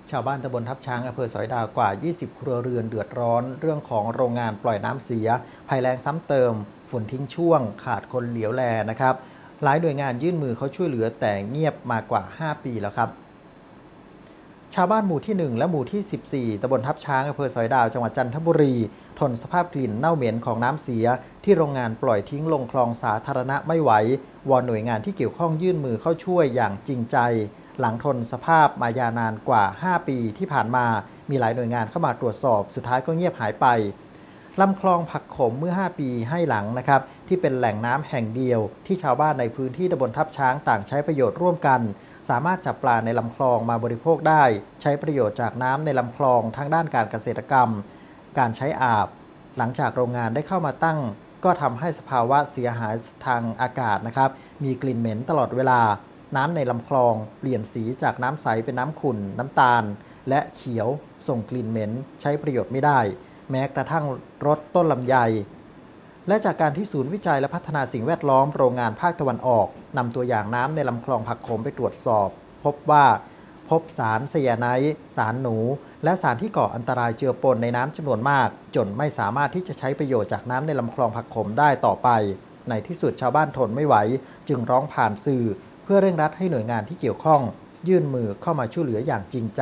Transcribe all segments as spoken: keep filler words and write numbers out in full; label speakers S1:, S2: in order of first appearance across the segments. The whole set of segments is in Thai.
S1: ชาวบ้านตำบลทับช้างอำเภอสอยดาวกว่ายี่สิบครัวเรือนเดือดร้อนเรื่องของโรงงานปล่อยน้ำเสียภัยแล้งซ้ำเติมฝนทิ้งช่วงขาดคนเหลียวแลนะครับหลายหน่วยงานยื่นมือเขาช่วยเหลือแต่เงียบมากว่าห้าปีแล้วครับชาวบ้านหมู่ที่หนึ่งและหมู่ที่สิบสี่ตำบลทับช้างอำเภอสอยดาวจังหวัดจันทบุรีทนสภาพกลิ่นเน่าเหม็นของน้ำเสียที่โรงงานปล่อยทิ้งลงคลองสาธารณะไม่ไหววอนหน่วยงานที่เกี่ยวข้องยื่นมือเข้าช่วยอย่างจริงใจหลังทนสภาพมายาวนานกว่าห้าปีที่ผ่านมามีหลายหน่วยงานเข้ามาตรวจสอบสุดท้ายก็เงียบหายไปลำคลองผักขมเมื่อห้าปีให้หลังนะครับที่เป็นแหล่งน้ำแห่งเดียวที่ชาวบ้านในพื้นที่ตำบลทับช้างต่างใช้ประโยชน์ร่วมกันสามารถจับปลาในลำคลองมาบริโภคได้ใช้ประโยชน์จากน้ำในลำคลองทั้งด้านการเกษตรกรรมการใช้อาบหลังจากโรงงานได้เข้ามาตั้งก็ทำให้สภาวะเสียหายทางอากาศนะครับมีกลิ่นเหม็นตลอดเวลาน้ำในลำคลองเปลี่ยนสีจากน้ำใสเป็นน้ำขุ่นน้ำตาลและเขียวส่งกลิ่นเหม็นใช้ประโยชน์ไม่ได้แม้กระทั่งรสต้นลำไยและจากการที่ศูนย์วิจัยและพัฒนาสิ่งแวดล้อมโรงงานภาคตะวันออกนำตัวอย่างน้ำในลำคลองผักขมไปตรวจสอบพบว่าพบสารไซยาไนด์สารหนูและสารที่ก่ออันตรายเจือปนในน้ำจำนวนมากจนไม่สามารถที่จะใช้ประโยชน์จากน้ำในลำคลองผักขมได้ต่อไปในที่สุดชาวบ้านทนไม่ไหวจึงร้องผ่านสื่อเพื่อเร่งรัดให้หน่วยงานที่เกี่ยวข้องยื่นมือเข้ามาช่วยเหลืออย่างจริงใจ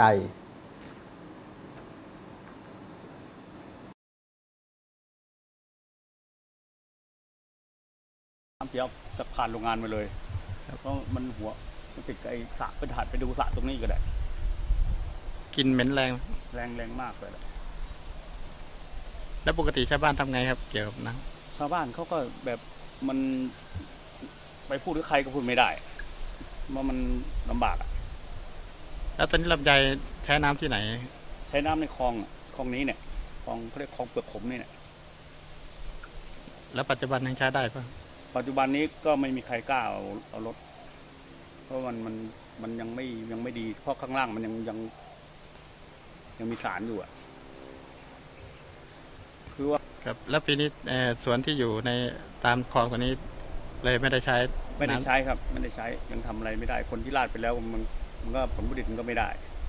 S2: น้ำเสียจะผ่านโรงงานมาเลยแล้วก็มันหัวมันติดไอ้สระไปถ่ายไปดูสระตรงนี้ก็ได้
S3: กลิ่นเหม็นแรง
S2: แรงแรงมากเลย
S3: แล้วปกติชาวบ้านทำไงครับเกี่ยวกับน้
S2: ำชาวบ้านเขาก็แบบมันไปพูดกับใครก็พูดไม่ได้ว่ามันลำบากอ่ะ
S3: แล้วตอนนี้ลำไยใช้น้ำที่ไหน
S2: ใช้น้ำในคลองคลองนี้เนี่ยคลองเขาเรียกคลองเปลือกขมนี่เนี่ย
S3: แล้วปัจจุบันยังใช้ได้ปะ
S2: ปัจจุบันนี้ก็ไม่มีใครกล้าเอาเอารถเพราะมันมันมันยังไม่ยังไม่ดีเพราะข้างล่างมันยังยังยังมีสารอยู่อ่ะคือว่า
S3: ครับแล้วปีนี้สวนที่อยู่ในตามคลองตัวนี้เลยไม่ได้ใช้
S2: ไม่ได้ใช้ครับไม่ได้ใช้ยังทำอะไรไม่ได้คนที่ลาดไปแล้วมันมันก็ผลผลิตมันก็ไม่ได้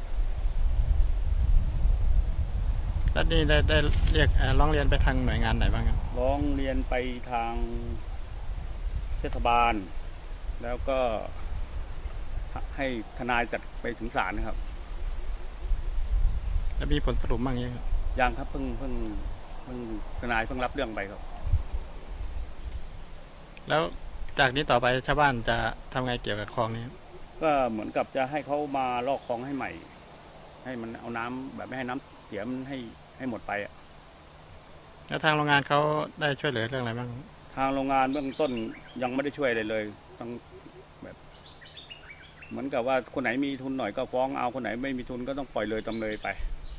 S3: แล้วนี่ได้ได้เรียกร้องเรียนไปทางหน่วยงานไหนบ้างครับ
S2: ร้องเรียนไปทางเทศบาลแล้วก็ให้ทนายจัดไปถึงศาลนะครับ
S3: แล้วมีผลสรุปบ้างยังครับ
S2: ยังครับเพิ่งเพิ่งเพิ่งทนายเพิ่งรับเรื่องไปครับ
S3: แล้วจากนี้ต่อไปชาวบ้านจะทำไงเกี่ยวกับคลองนี้
S2: ก็เหมือนกับจะให้เขามาลอกคลองให้ใหม่ให้มันเอาน้ำแบบไม่ให้น้ำเสียมันให้ให้หมดไปอ่ะ
S3: แล้วทางโรงงานเขาได้ช่วยเหลือเรื่องอะไรบ้าง
S2: ทางโรงงานเบื้องต้นยังไม่ได้ช่วยอะไรเลยต้องแบบเหมือนกับว่าคนไหนมีทุนหน่อยก็ฟ้องเอาคนไหนไม่มีทุนก็ต้องปล่อยเลยจำเลยไป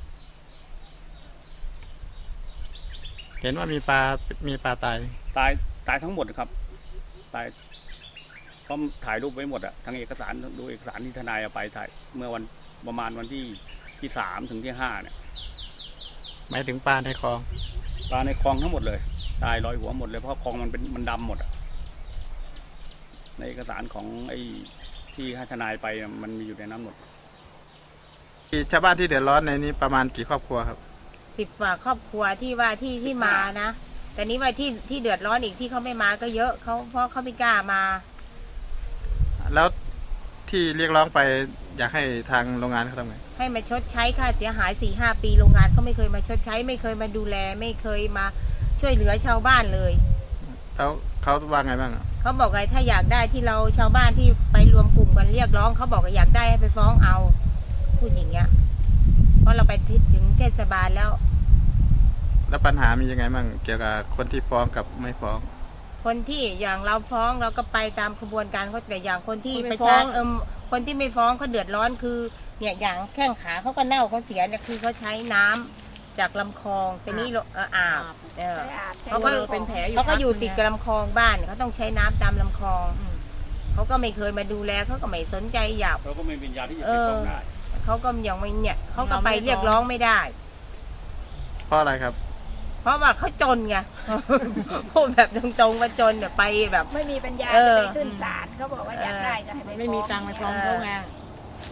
S3: เห็นว่ามีปลามีปลาตาย
S2: ตายตายทั้งหมดครับตายเพราะถ่ายรูปไว้หมดอะทั้งเอกสารดูเอกสารที่ทนายเอาไปถ่ายเมื่อวันประมาณวันที่ที่สามถึงที่ห้าเนี่ย
S3: หมายถึงปลาในคลอง
S2: ปลาในคลองทั้งหมดเลยตายลอยหัวหมดเลยเพราะคลองมันเป็นมันดำหมดอะในเอกสารของไอ้ที่ให้ทนายไปมันมีอยู่ในนั้นหมด
S3: ชาวบ้านที่เดือดร้อนในนี้ประมาณกี่ครอบครัวครับ
S4: สิบกว่าครอบครัวที่ว่าที่ที่มานะแต่นี้ว่าที่ที่เดือดร้อนอีกที่เขาไม่มาก็เยอะเขาเพราะเขาไม่กล้ามา
S3: แล้วที่เรียกร้องไปอยากให้ทางโรงงานเขาทำไง
S4: ให้มาชดใช้ค่าเสียหายสี่ห้าปีโรงงานเขาไม่เคยมาชดใช้ไม่เคยมาดูแลไม่เคยมาช่วยเหลือชาวบ้านเลย
S3: แล้วเขาว่าไงบ้าง
S4: เขาบอกไงถ้าอยากได้ที่เราชาวบ้านที่ไปรวมกลุ่มกันเรียกร้องเขาบอกว่าอยากได้ให้ไปฟ้องเอาพูดอย่างเงี้ยเพราะเราไปถึงเทศบาลแล้ว
S3: แล้วปัญหามียังไงบ้างเกี่ยวกับคนที่ฟ้องกับไม่ฟ้อง
S4: คนที่อย่างเราฟ้องเราก็ไปตามกระบวนการเขาแต่อย่างคนที่ประชาชนเออคนที่ไม่ฟ้องเขาเดือดร้อนคือเนี่ยอย่างแข้งขาเขาก็เน่าเขาเสียเนี่ยคือเขาใช้น้ำจากลำคลองแต่นี่อาบเขาก็เป็นแผลเขาก็อยู่ติดกับลำคลองบ้านเขาต้องใช้น้ำตามลำคลองเขาก็ไม่เคยมาดูแลเขาก็ไม่สนใจหยับ
S2: เขาก็ไม่เป็นยาที่จะไปฟ้องได้
S4: เขาก็ยังไม่เนี่ยเขาก็ไปเรียกร้องไม่ได้
S3: เพราะอะไรครับ
S4: เพราะว่าเขาจนไงพูดแบบตรงๆว่าจนเนี่ยไปแบบ
S5: ไม่มีปัญญาจะไปขึ้นศาลเขาบอกว่าอยากได้ก็ให้
S6: ไม่มีตังค์ไปฟ้องเขาไง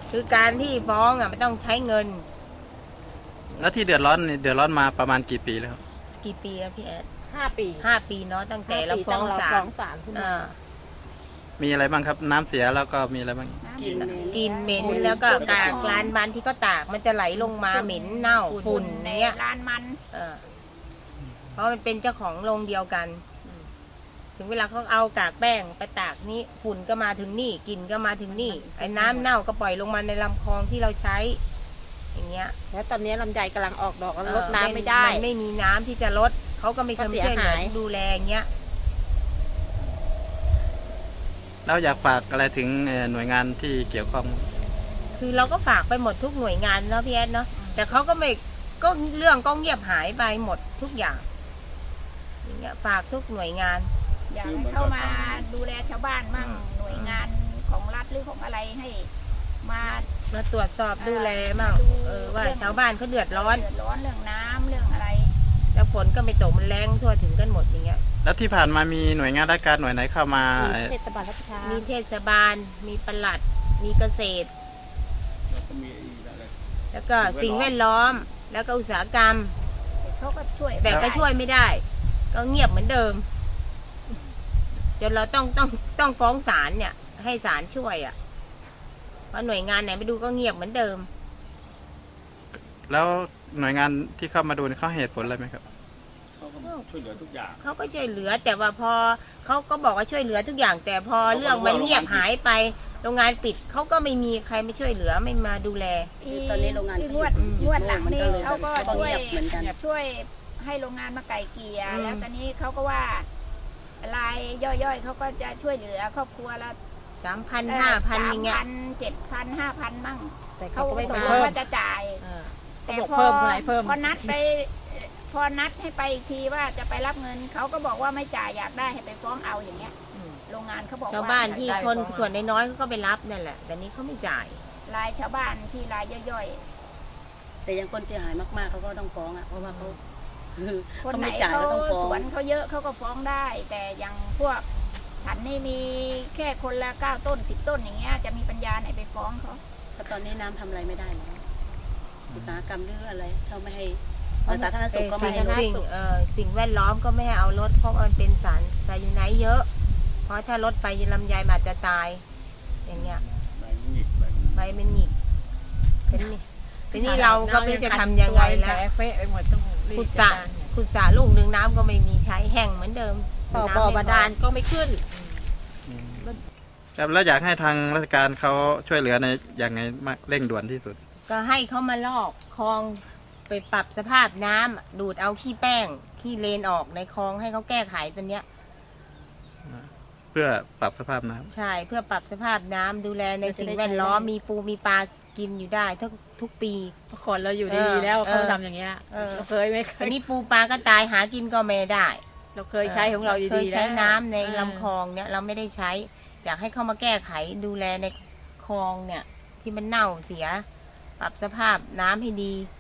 S4: คือการที่ฟ้องอ่ะมันต้องใช้เงิน
S3: แล้วที่เดือดร้อนนี่เดือดร้อนมาประมาณกี่ปีแล้วครับ
S4: กี่ปีแล้วพี่แอด
S5: ห้าปี
S4: ห้าปีเนาะตั้งแต่เราฟ้องศา
S5: ฟ้อ
S4: ล
S5: งศาลขึ้นมา
S4: อ่า
S3: มีอะไรบ้างครับน้ำเสียแล้วก็มีอะไรบ้าง
S4: กินกินเหม็นแล้วก็กากลานมันที่ก็ตากมันจะไหลลงมาเหม็นเน่าฝุ่นเนี้ย
S5: ร้านมัน
S4: เออเพราะมันเป็นเจ้าของโรงเดียวกัน ถึงเวลาเขาเอากากแป้งไปตากนี่ฝุ่นก็มาถึงนี่กลิ่นก็มาถึงนี่ไอ้น้ำเน่าก็ปล่อยลงมาในลำคลองที่เราใช้ อย่างเงี้ย
S5: แล้วตอนนี้ลำไยกำลังออกดอกแล้วลดน้ำไม่ได้
S4: นไม่มีน้ำที่จะลดเขาก็ไม่เคยช่วยเหลือดูแลอย่างเงี้ย
S3: แล้วอยากฝากอะไรถึงหน่วยงานที่เกี่ยวข้อง
S4: คือเราก็ฝากไปหมดทุกหน่วยงานเนาะพี่แอดเนาะแต่เขาก็ไม่ก็เรื่องก็เงียบหายไปหมดทุกอย่างอย่างเงี้ยฝากทุกหน่วยงาน
S6: อยากให้เข้ามาดูแลชาวบ้านมั่งหน่วยงานของรัฐหรือของอะไรให้มา
S4: มาตรวจสอบดูแลมั่งเออว่าชาวบ้านเขาเดือดร้อน
S6: เดือดร้อนเรื่องน้ำเรื่องอะไร
S4: แล้วฝนก็ไม่ตกมันแรงทั่วถึงกันหมดอย่างเงี้ย
S3: แล้วที่ผ่านมามีหน่วยงานราชการหน่วยไหนเข้ามา
S5: มีเทศบาลรัชชา
S4: มีเทศบาลมีปลัดมีเกษตร
S2: แล้วก็มีอะไร
S4: แล้วก็สิ่งแวดล้อมแล้วก็อุตสาหกรรม
S6: เขาก็ช่วย
S4: แต่ก็ช่วยไม่ได้ ก็เงียบเหมือนเดิมจนเราต้องต้องต้องฟ้องศาลเนี่ย ให้ศาลช่วยอ่ะเพราะหน่วยงานไหนไปดูก็เงียบเหมือนเดิม
S3: แล้วหน่วยงานที่เข้ามาดูเขาให้เหตุผลอะไรไหมครับ
S2: เขาก็ช่วยเหลือทุกอย่าง
S4: เขาก็ช่วยเหลือ แต่ว่าพอเขาก็บอกว่าช่วยเหลือทุกอย่าง แต่พอเรื่องมันเงียบหายไปโรงงานปิดเขาก็ไม่มีใครมาช่วยเหลือไม่มาดูแล
S7: ตอนนี้โรงงาน
S6: ที่นวดนวดหลังนี่เขาก็ช่วย
S7: เหมือนกัน
S6: ช่วยให้โรงงานมาไก่เกลี่ย
S4: อืม
S6: แล้วตอนนี้เขาก็ว่ารายย่อยๆเขาก็จะช่วยเหลือครอบครัวละ
S4: สามพันห้าพันอย่างเงี้ย
S6: สามพันเจ็ดพันห้าพันมั่ง
S5: แต่
S6: เขา
S5: เขาก็
S6: ต
S5: ไม่
S6: กล
S5: เพิ่
S6: ง
S5: ม
S6: ว่าจะจ่าย
S4: เออ
S6: แต่
S5: เขาบอก
S6: พอ
S5: เพิ่มเท่าไหร่เพิ่ม
S6: พอนัดไปพอนัดให้ไปอีกทีว่าจะไปรับเงินเขาก็บอกว่าไม่จ่ายอยากได้ให้ไปฟ้องเอาอย่างเงี้ย
S4: อืม
S6: โรงงานเขาบอก
S4: ชาว
S6: ว่า
S4: บ้านที่
S6: ได้
S4: คน
S6: ฟ้อง
S4: ส่วนน้อยๆเขาก็ไปรับนั่นแหละ แต่นี้เขาไม่จ่าย
S6: รายชาวบ้านที่รายย่อย
S7: แต่ยังคนเสียหายมากๆเขาก็ต้องฟ้องอ่ะเพราะว่าเขาคือ
S6: ๆ คน
S7: เขา
S6: ไหน
S7: ไม่จ่าย
S6: เขา
S7: ก็ต้องฟ้อ
S6: ส
S7: ง
S6: วนเขาเยอะเขาก็ฟ้องได้ แต่อย่างพวกฉันนี่มีแค่คนละเก้าต้นสิบต้นอย่างเงี้ยจะมีปัญญาไหนไปฟ้องเขา
S7: เพราะตอนนี้น้ำทำอะไรไม่ได้แล้วอุตสาหกรรมหรืออะไรเขาไม่ให้สาธารณสุขก็ไม่
S4: สิ่ง
S7: ให้
S4: สิ่งเอ่อสิ่งแวดล้อมก็ไม่ให้เอารถเพราะมันเป็นสารไซยาไนด์เยอะ เพราะถ้ารถไปลำไยมันอาจจะตาย อย่างเงี้ย
S2: ใบหงิกใบ
S4: ใบมันหงิกทีนี้ทีนี้เราก็ไม่รู้จะทำยังไงแล้ว
S5: เฟะไปหมดต้องรีบ
S4: ขุด
S5: จั
S4: สระ
S5: ดการ
S4: ขุดสระลูกหนึ่งน้ำก็ไม่มีใช้แห้งเหมือนเดิม
S5: ต่อ
S4: น้ำ
S5: บ่อ
S4: ไม่พ
S5: บาดาลก็ไม่ขึ้น
S3: ครับแล้วอยากให้ทางราชการเขาช่วยเหลือในอย่างไงมากเร่งด่วนที่สุด
S4: ก็ให้เขามาลอกคลองไปปรับสภาพน้ำดูดเอาขี้แป้งขี้เลนออกในคลองให้เขาแก้ไขตัวเนี้ย
S3: เพื่อปรับสภาพน้ำ
S4: ใช่เพื่อปรับสภาพน้ำดูแลในสิ่งแวดล้อมมีปูมีปลากินอยู่ได้ทุกทุกปี
S5: คนเราอยู่ดี
S4: เออ
S5: ๆแล้ว
S4: เออ
S5: เขาทำอย่างเงี้ย
S4: เออ
S5: เราเคยไม่เค
S4: อั
S5: ย
S4: นนี้ปูปลาก็ตายหากินก็ไม่ได้
S5: เราเคยใช้ของเราดีๆ
S4: เคยใช้
S5: แล้ว
S4: น้ำใน
S5: เออ
S4: ลำคลองเนี่ยเราไม่ได้ใช้ อยากให้เข้ามาแก้ไขดูแลในคลองเนี่ย ที่มันเน่าเสีย ปรับสภาพน้ำให้ดี